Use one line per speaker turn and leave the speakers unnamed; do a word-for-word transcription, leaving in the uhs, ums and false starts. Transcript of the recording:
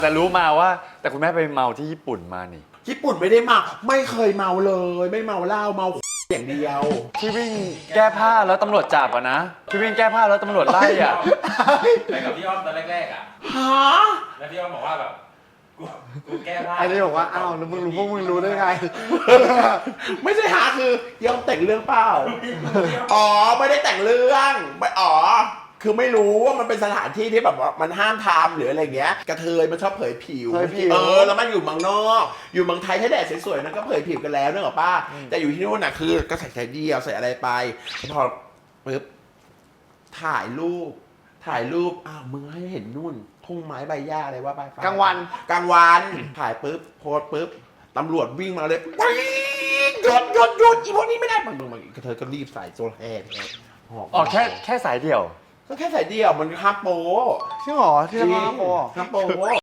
แต่รู้มาว่าแต่คุณแม่ไปเมาที่ญี่ปุ่นมานี่
ญี่ปุ่นไม่ได้เมาไม่เคยเมาเลยไม่เมาเหล้าเมาอย่างเดียว
ที่วิ่งแก้ผ้าแล้วตำรวจจับอะนะที่วิ่งแก้ผ้าแล้วตำรวจไล่อะ
ไปกับพี่อ้อมตอนแรกๆอ่ะ
ฮะ
แล้วพี่อ้อมบอกว่าแบบกูกูแก้ผ้า
ไอ้นี่บอกว่าอ้าวแล้วมึงรู้พวกมึงรู้ได้ไง
ไม่ใช่หาคือยอมแต่งเรื่องเปล่าอ๋อไม่ได้แต่งเรื่องไม่อ๋อคือไม่รู้ว่ามันเป็นสถานที่ที่แบบว่ามันห้ามทำหรืออะไรเงี้ยกระเทยมันชอบเผยผิวเออแล้วมันอยู่เมืองนอกอยู่เมืองไทยถ้าแดดสวยๆนั่นก็เผยผิวกันแล้วนึกออกป่ะแต่อยู่ที่นู่นน่ะคือก็ใส่ใส่เดียวใส่อะไรไปพอปึ๊บถ่ายรูปถ่ายรูปอ้าวมึงให้เห็นนู่นทุ่งไม้ใบหญ้าอะไรว่าไป
กลางวัน
กลางวันถ่ายปุ๊บโพสปุ๊บตำรวจวิ่งมาเลยหยุดหยุดหยุดอีพวกนี้ไม่ได้มันมันกระเทยก็รีบใส่โซลแฮร์
อ๋อแค่แค่สายเดี่ยว
ก็แค่ใส่เดียวมันห้ามโป๊
จริงเหรอที่ทำมาโป
ห้ามโป๊